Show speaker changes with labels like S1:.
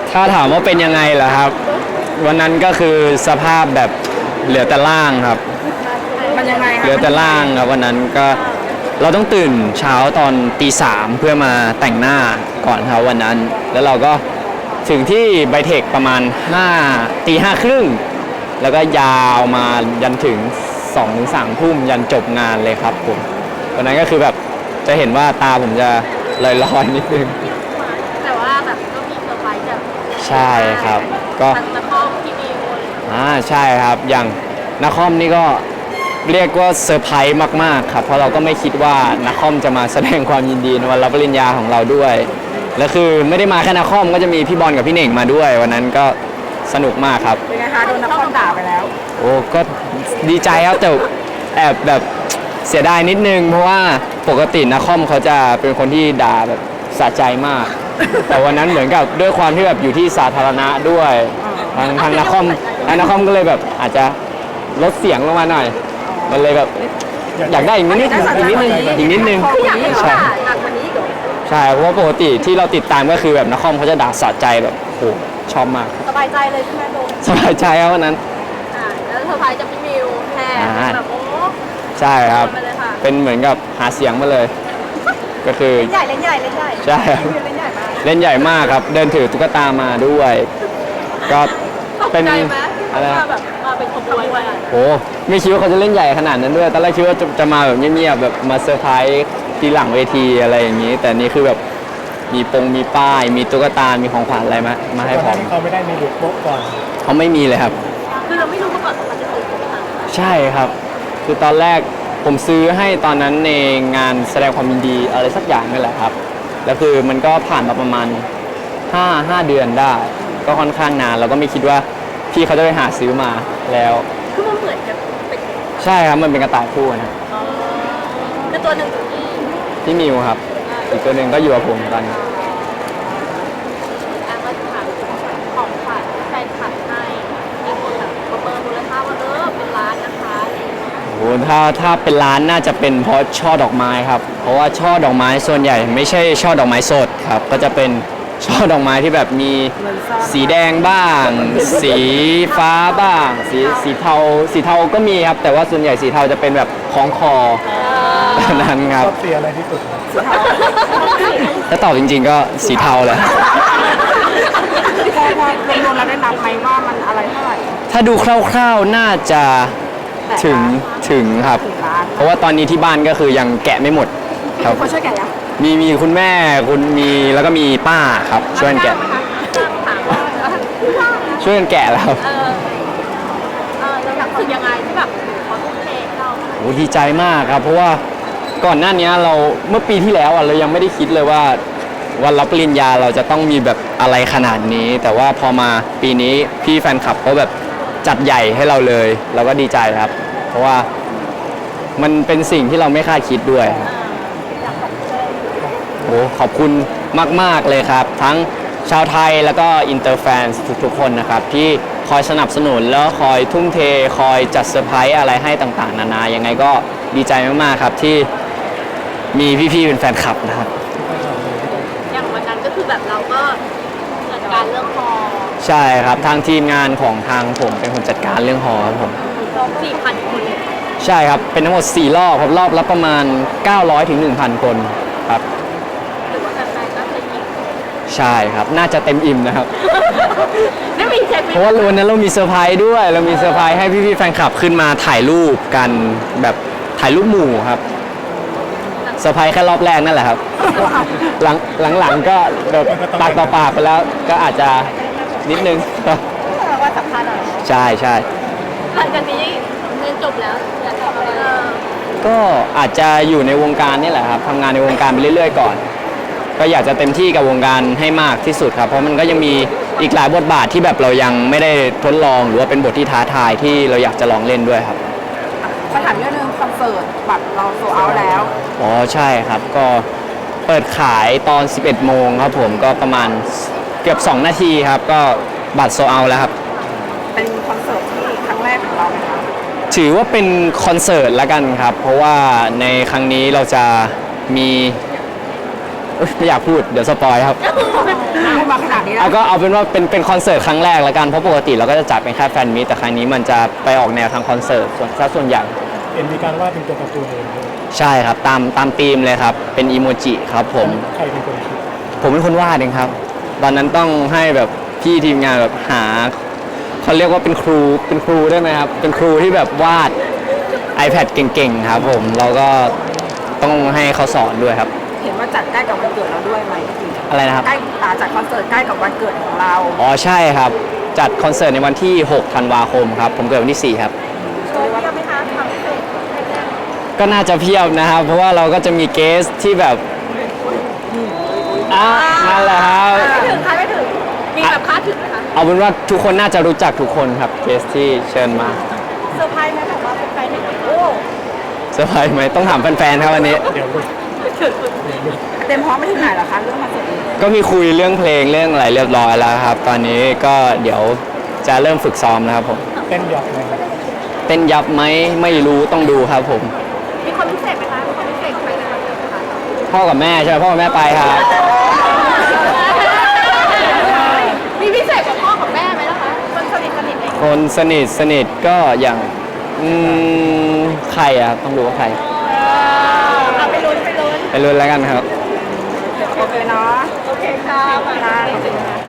S1: ถ้าถามว่าเป็นยังไงล่ะครับ วันนั้นก็คือสภาพแบบเหลือแต่ล่างครับ
S2: มันยังไงคะ
S1: เหลือแต่ล่างครับวันนั้นก็เราต้องตื่นเช้าตอนตี 3เพื่อมาแต่งหน้าก่อนครับวันนั้นแล้วเราก็ถึงที่ไบเทคประมาณตี 5 ครึ่งแล้วก็ยาวมายันถึง2 ถึง 3 ทุ่มยันจบงานเลยครับผมวันนั้นก็คือแบบจะเห็นว่าตาผมจะลอยๆนิดนึง
S3: แต่ว่าแบบก็มีเซอร์ไพรส์แบบ
S1: ใช่ครับก็
S3: ทางนครพี่มิว
S1: ใช่ครับอย่างนครนี่ก็เรียกว่าเซอร์ไพรส์มากๆครับเพราะเราก็ไม่คิดว่านครจะมาแสดงความยินดีในวันรับปริญญาของเราด้วยแล้วคือไม่ได้มาแค่นครก็จะมีพี่บอลกับพี่เน่งมาด้วยวันนั้นก็สนุกมากครับ
S2: เป็นไงคะโดนนครด่าไปแล้ว
S1: โอ้ก็ดีใจครับแต่แอบแบบเสียดายนิดนึงเพราะว่าปกตินครเขาจะเป็นคนที่ด่าแบบสะใจมากแต่วันนั้นเหมือนกับด้วยความที่แบบอยู่ที่สาธารณะด้วยทางนครก็เลยแบบอาจจะลดเสียงลงมาหน่อยมันเลยแบบอยากได้อีกนิดนึงใช่
S3: หนักกว่านี้อีกเหรอ
S1: ใช่เพราะว่าปกติที่เราติดตามก็คือแบบนครเขาจะด่าสะใจแบบโหชอบมาก
S3: สบายใจเลยใช่ไหมโดม
S1: สบายใจครับวันนั้น
S3: แล้วเซอร์ไพรส์จากพี่มิวแทนแบบโอ้
S1: ใช่ครับเป็นเหมือนกับหาเสียงมาเลยก็คือ
S3: เล่นใหญ่
S1: ใช่เล่นใหญ่มากครับเดินถือตุ๊กตามาด้วยก็เป็น
S3: อะไรแบบมาเป็นขบวนเลย
S1: โอ้ไม่คิดว่าเขาจะเล่นใหญ่ขนาดนั้นด้วยตอนแรกคิดว่าจะมาแบบเงียบๆแบบมาเซอร์ไพรส์ทีหลังเวทีอะไรอย่างนี้แต่นี่คือแบบมีป้ายมีตุ๊กตามีของขวัญอะไรมาให้ผม
S4: เขาไม่ได้มีบุกโป๊ะก่อน
S1: เขาไม่มีเลยครับ
S3: คือเราไม่รู้มาก่อนว่าจะซื้อ
S1: ใช่ครับคือตอนแรกผมซื้อให้ตอนนั้นในงานแสดงความยินดีอะไรสักอย่างนี่แหละครับแล้วคือมันก็ผ่านมาประมาณ5 เดือนได้ก็ค่อนข้างนานเราก็ไม่คิดว่าพี่เขาจะไปหาซื้อมาแล้ว
S3: คือมันเหมือนกับเป็น
S1: ใช่ครับมันเป็นกระต่ายคู่นะ
S3: คือตัวหนึ่ง
S1: ที่มิวครับอีกตัวหนึ่งก็อยู่กับผมตอนนี้
S3: มาถามของขวัญแฟนคลับให้มีคนแบบประเมินมูลค่าว่าเป็นล้านนะคะ
S1: โอ้ถ้าเป็นล้านน่าจะเป็นเพราะช่อดอกไม้ครับเพราะว่าช่อดอกไม้ส่วนใหญ่ไม่ใช่ช่อดอกไม้สดครับก็จะเป็นช่อดอกไม้ที่แบบมีสีแดงบ้างสีฟ้าบ้างสีเทาก็มีครับแต่ว่าส่วนใหญ่สีเทาจะเป็นแบบคล้องคอนั้นครับ
S4: ชอบสีอะไรที่สุด
S1: ถ้าตอบจริงๆก็สีเทาแหละ
S2: พอรวมๆแล้วได้นับไหมว่ามันอะไรเท่าไหร่
S1: ถ้าดูคร่าวๆน่าจะถึงครับเพราะว่าตอนนี้ที่บ้านก็คือยังแกะไม่หมด
S2: ครับเขาช่วยแกะยัง
S1: มีคุณแม่แล้วก็มีป้าครับช่วยกันแกะช่วยกันแกะแล้ว
S3: แล้วรู้สึกยังไงที่แบบเขาทุ่มเทเรา
S1: โอ้ดีใจมากครับเพราะว่าก่อนหน้านี้เราเมื่อปีที่แล้วเรายังไม่ได้คิดเลยว่าวันรับปริญญาเราจะต้องมีแบบอะไรขนาดนี้แต่ว่าพอมาปีนี้พี่แฟนคลับเขาแบบจัดใหญ่ให้เราเลยเราก็ดีใจครับเพราะว่ามันเป็นสิ่งที่เราไม่คาดคิดด้วยโอ้ขอบคุณมากๆเลยครับทั้งชาวไทยแล้วก็อินเตอร์แฟนทุกๆคนนะครับที่คอยสนับสนุนแล้วคอยทุ่มเทคอยจัดเซอร์ไพรส์อะไรให้ต่างๆนานายังไงก็ดีใจมากๆครับที่มีพี่ๆเป็นแฟนคลับนะครับ
S3: อย่างวันนั้นก็คือแบบเราก็จัดการเรื่องฮอ
S1: ใช่ครับทางทีมงานของทางผมเป็นคนจัดการเรื่องฮอครับผม
S3: 4,000 คน
S1: ใช่ครับเป็นทั้งหมด4รอบครับรอบละประมาณ900 ถึง 1,000 คนครับ
S3: หรือว่าแฟนๆก็จะอิ่ม
S1: ใช่ครับน่าจะเต็มอิ่มนะครับ
S3: ไม่มีเช็ค
S1: เพราะว่าวันนั้นเรามีเซอร์ไพรส์ด้วยเรามีเซอร์ไพรส์ให้พี่ๆแฟนคลับขึ้นมาถ่ายรูปกันแบบถ่ายรูปหมู่ครับเซอร์ไพรส์แค่รอบแรกนั่นแหละครับหลังก็แบบปากต่อปากไปแล้วก็อาจจะนิดนึง
S3: ว่าสำคัญหน่อย
S1: ใช่
S3: หลังจากนี้เรียนจบแล้วอยากทำอะไร
S1: ก็อาจจะอยู่ในวงการนี่แหละครับทำงานในวงการไปเรื่อยๆก่อนก็อยากจะเต็มที่กับวงการให้มากที่สุดครับเพราะมันก็ยังมีอีกหลายบทบาทที่แบบเรายังไม่ได้ทดลองหรือว่าเป็นบทที่ท้าทายที่เราอยากจะลองเล่นด้วยครับ
S2: คำถามเรื่องนึงคอนเสิร์ตบัตรเราโซเอาแล้ว
S1: อ๋อใช่ครับก็เปิดขายตอน 11 โมงครับผมก็ประมาณเกือบ2 นาทีครับก็บัตรโซเอาแล้วครับ
S2: เป็นคอนเสิร์ตที่ครั้งแรกของเราไหมครับ
S1: ถือว่าเป็นคอนเสิร์ตละกันครับเพราะว่าในครั้งนี้เราจะมีไม่อยากพูดเดี๋ยวสปอยครับ
S2: มาขนาดนี้แล้ว
S1: เอาก็เอาเป็นว่าเป็นคอนเสิร์ตครั้งแรกแล้วกันเพราะปกติเราก็จะจัดเป็นแค่แฟนมีตแต่ครั้งนี้มันจะไปออกแนวทางคอนเสิร์ตส่วนใหญ่
S4: เห็นมีการวาดเป็นตัวการ์ตูนเองด้วย
S1: ใช่ครับตามธีมเลยครับเป็นอีโมจิครับผม
S4: ใครเป็นคนคิด
S1: ผมเป็นคนวาดเองครับ ตอนนั้นต้องให้แบบพี่ทีมงานแบบหาเขาเรียกว่าเป็นครูได้ไหมครับ เป็นครูที่แบบวาด iPad เก่งๆครับผมเราก็ต้องให้เขาสอนด้วยครับ
S2: เห็นว่าจัดใกล้กับวันเกิดเราด้วยไหมพี่
S1: อะไรนะครับ
S2: ใกล้จัดคอนเสิร์ตใกล้กับวันเกิดของเรา
S1: อ๋อใช่ครับ จัดคอนเสิร์ตในวันที่ 6 ธันวาคมครับ ผมเกิดวันที่ 4 ครับ
S3: โชว์เพียบไหมคะความพิเศษแรก
S1: ก็น่าจะเพียบนะครับ เพราะว่าเราก็จะมีเกสที่แบบนั่นแหละครับ
S3: ไม่ถึงค่ะไม่ถึง มีแบบคาดถึงไหมคะ
S1: เอาเป็นว่าทุกคนน่าจะรู้จักทุกคนครับเกสที่เชิญมา
S3: เซอร์ไพรส์ไหมแบบว่าเป็นแฟนเห็นโอ้
S1: เซอร์ไพรส์ไหมต้องถามแฟนๆครับวันนี้
S4: เดี๋ยวลูก
S2: เต็มพร้อมไปถึงไหนแล้วคะเรื่องคอนเสิร์ตนี้
S1: ก็มีคุยเรื่องเพลงเรื่องอะไรเรียบร้อยแล้วครับ ตอนนี้ก็เดี๋ยวจะเริ่มฝึกซ้อมนะครับผม
S4: เต้นยับเลยครับ
S1: เต้นยับไหมไม่รู้ต้องดูครับผม
S3: มีคนพิเศษไหมคะมีคนพิเศษใครในวันเกิดไหมคะ
S1: พ่อกับแม่ใช่ไหมพ่อกับแม่ไปครับ
S3: มีพิเศษกว่าพ่อกับแม่ไหมล่ะคะคนสนิทเอง
S1: คนสนิทก็อย่างใครอะต้องดูว่าใคร
S3: เอาไปลุ้น
S1: ไปลุ้นแล้วกันครับ
S2: โอเคเนาะ
S3: โอเคค่ะ
S2: ค่ะ